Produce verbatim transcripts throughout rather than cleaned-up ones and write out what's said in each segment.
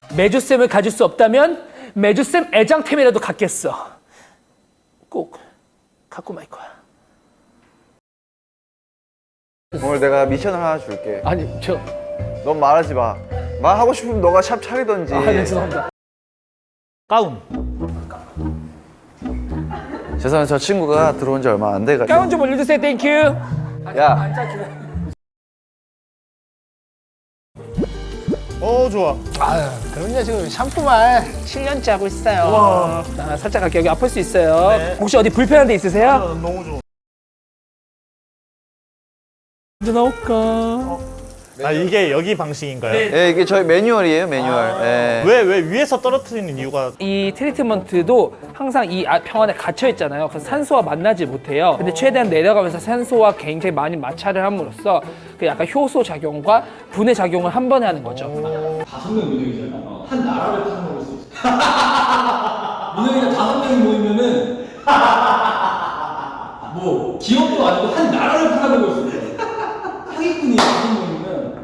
메주쌤을 가질 수 없다면 메주쌤 애장템이라도 갖겠어. 꼭 갖고 말 거야. 오늘 내가 미션을 하나 줄게. 아니 저. 넌 말하지 마. 말하고 싶으면 너가 샵 차리던지. 아, 네, 죄송합니다. 가운. 죄송해요. 저 친구가 들어온 지 얼마 안 돼가지고. 가운 좀 올려주세요. 땡큐. 야. 어 좋아. 아, 그럼요. 지금 샴푸만 칠 년째 하고 있어요. 아, 살짝 갈게요. 여기 아플 수 있어요. 네. 혹시 어디 불편한 데 있으세요? 아, 너무 좋아. 언제 나올까? 아 이게 여기 방식인가요? 네. 예, 이게 저희 매뉴얼이에요, 매뉴얼. 예. 왜 왜 위에서 떨어뜨리는 이유가? 이 트리트먼트도 항상 이 아- 병 안에 갇혀 있잖아요. 그래서 산소와 만나지 못해요. 근데 최대한 내려가면서 산소와 굉장히 많이 마찰을 함으로써 그 약간 효소 작용과 분해 작용을 한 번에 하는 거죠. 다섯 명 민영이잖아. 한 나라를 팔아먹을 수 있어. 민영이가 다섯 명이 모이면은 뭐 기업도 아니고 한 나라를 팔아먹을 수 있어. 사기꾼이 다섯 명이면.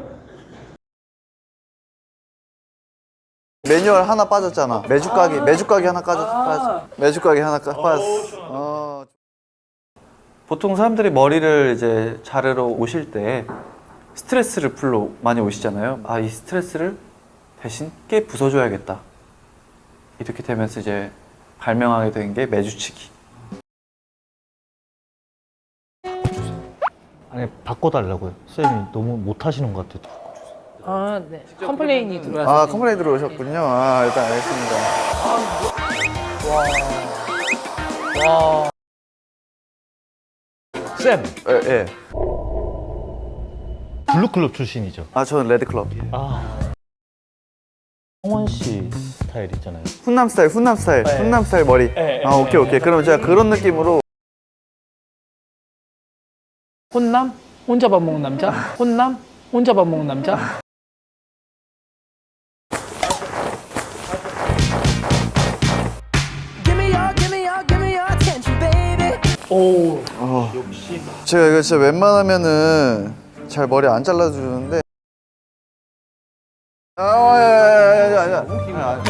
매뉴얼 하나 빠졌잖아. 매주 가게, 매주 가게 하나 빠졌, 빠졌. 매주 가게 하나 까- 빠졌어. 어. 보통 사람들이 머리를 이제 자르러 오실 때 스트레스를 풀러 많이 오시잖아요. 아, 이 스트레스를 대신 깨 부숴줘야겠다. 이렇게 되면서 이제 발명하게 된 게 매주치기. 아니 바꿔달라고요. 쌤이 너무 못하시는 것 같아요. 아, 네. 컴플레인이 들어와서. 아, 컴플레인 들어오셨군요. 아, 일단 알겠습니다. 와. 쌤 예, 예. 블루클럽 출신이죠. 아, 저는 레드클럽. 아 홍원 씨 스타일 있잖아요. 훈남 스타일, 훈남 스타일, 네. 훈남 스타일 머리. 네, 아, 오케이, 오케이. 그럼 제가 그런 느낌으로. 혼남? 혼자 밥 먹는 남자? 혼남? 혼자 밥 먹는 남자? 오. 어. 제가 이거 진짜 웬만하면은 잘 머리 안 잘라주는데. 아, 야, 야, 야, 야, 야.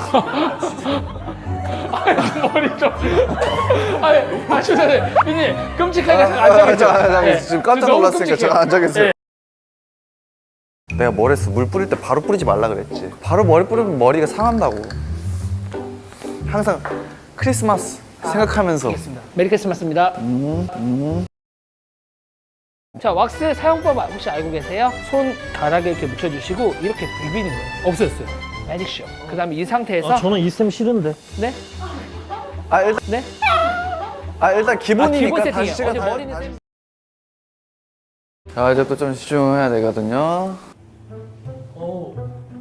머리 좀. 아니, 아, 죄송해요. 비님, 끔찍하게 아, 앉아계세요. 아, 아, 아, 지금 깜짝 너무 놀랐으니까 끔찍해요. 제가 앉아 계세요. 네. 내가 뭘 했어? 물 뿌릴 때 바로 뿌리지 말라 그랬지. 바로 머리 뿌리면 머리가 상한다고. 항상 크리스마스 생각하면서. 알겠습니다. 메리 크리스마스입니다. 음, 음. 자, 왁스 사용법 혹시 알고 계세요? 손가락에 이렇게 묻혀주시고 이렇게 비비는 거예요. 없어졌어요. 매직쇼. 그 다음에 이 상태에서 아, 저는 이 쌤 싫은데. 네? 아, 일단, 네? 아, 일단 아, 기본이니까 기본 세팅이에요. 다시 제가 어제 다- 머리는 다시- 쌤- 자, 이제 또 좀 집중해야 되거든요. 오.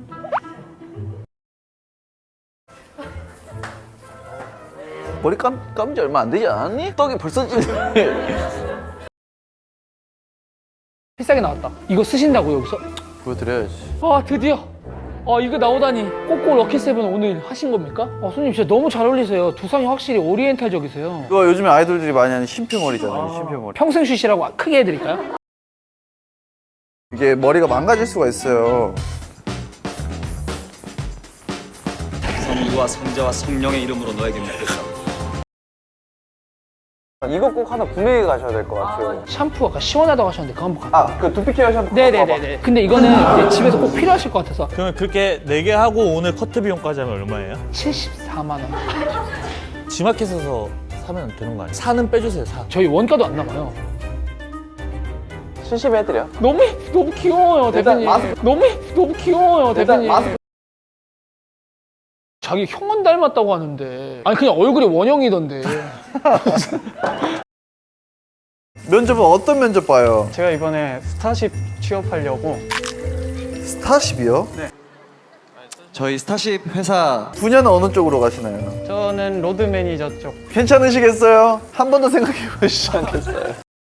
머리 감, 감은 지 얼마 안 되지 않았니? 떡이 벌써 찌네. 비싸게 나왔다. 이거 쓰신다고 여기서? 보여드려야지. 아, 드디어. 아, 이거 나오다니. 꼬꼬 럭키세븐 오늘 하신 겁니까? 아, 손님 진짜 너무 잘 어울리세요. 두상이 확실히 오리엔탈적이세요. 이거 요즘에 아이돌들이 많이 하는 쉼표머리잖아요, 쉼표머리. 평생 쉬시라고 크게 해드릴까요? 이게 머리가 망가질 수가 있어요. 성부와 성자와 성령의 이름으로 너에게 묻겠다. 이거 꼭 하나 구매해 가셔야 될 것 같아요. 샴푸 아까 시원하다고 하셨는데 그거 한번 갈게요. 아, 그 두피 케어 샴푸. 네네네네. 근데 이거는 이제 집에서 꼭 필요하실 것 같아서 그러면 그렇게 네 개 하고 오늘 커트 비용까지 하면 얼마예요? 칠십사만 원. 지마켓에서 사면 되는 거 아니에요? 사는 빼주세요. 사. 저희 원가도 안 나가요. 칠십 해드려. 너무 예쁘- 너무 귀여워요, 일단 대표님. 마스크- 너무 예쁘- 너무 귀여워요, 일단 대표님. 마스크- 자기 형은 닮았다고 하는데 아니 그냥 얼굴이 원형이던데. 면접은 어떤 면접 봐요? 제가 이번에 스타쉽 취업하려고. 스타쉽이요? 저희 스타쉽 회사 분야는 어느 쪽으로 가시나요? 저는 로드 매니저 쪽. 괜찮으시겠어요? 한 번 더 생각해 보시지 않겠어요?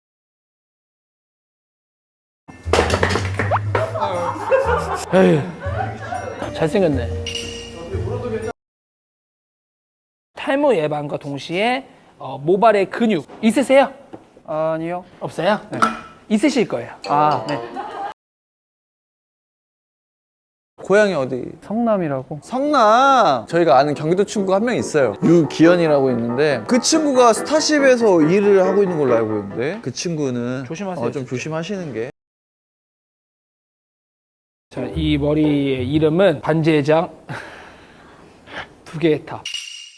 에휴, 잘생겼네. 탈모 예방과 동시에 어, 모발의 근육 있으세요? 아니요. 없어요? 네. 있으실 거예요. 아, 네. 고향이 어디? 성남이라고. 성남. 저희가 아는 경기도 친구가 한 명 있어요. 유기현이라고 있는데 그 친구가 스타쉽에서 일을 하고 있는 걸로 알고 있는데 그 친구는 조심하세요, 어, 좀 진짜. 조심하시는 게. 자, 이 머리의 이름은 반지의장 두 개의 탑.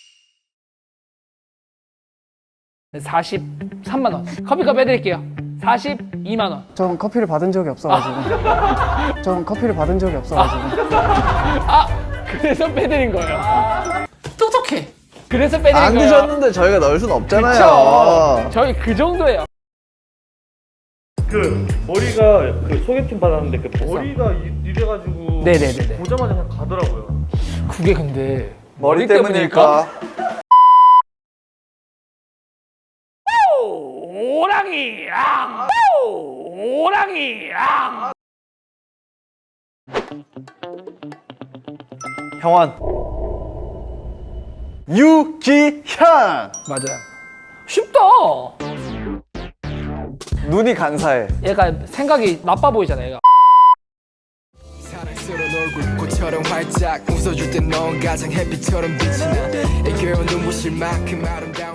사십삼만 원. 커피값 해드릴게요. 사십이만 원. 전 커피를 받은 적이 없어가지고. 전 커피를 받은 적이 없어가지고. 아, 그래서 빼드린 거예요. 똑똑해. 그래서 빼드린 안 거예요. 드셨는데 저희가 넣을 순 그쵸. 없잖아요. 저희 그 정도예요. 그 머리가 그 소개팅 받았는데 그 머리가 이- 이래가지고 네네네네. 보자마자 그냥 가더라고요. 그게 근데 머리 때문일까? 오랑이랑 오랑이랑 형원. 유기현. 맞아요. 쉽다. 눈이 간사해. 얘가 생각이 나빠 보이잖아. 얘가. 사랑스러운 얼굴 꽃처럼 활짝 웃어줄 땐 넌 가장 햇빛처럼 빛이 나 애교운 눈부실 만큼 아름다워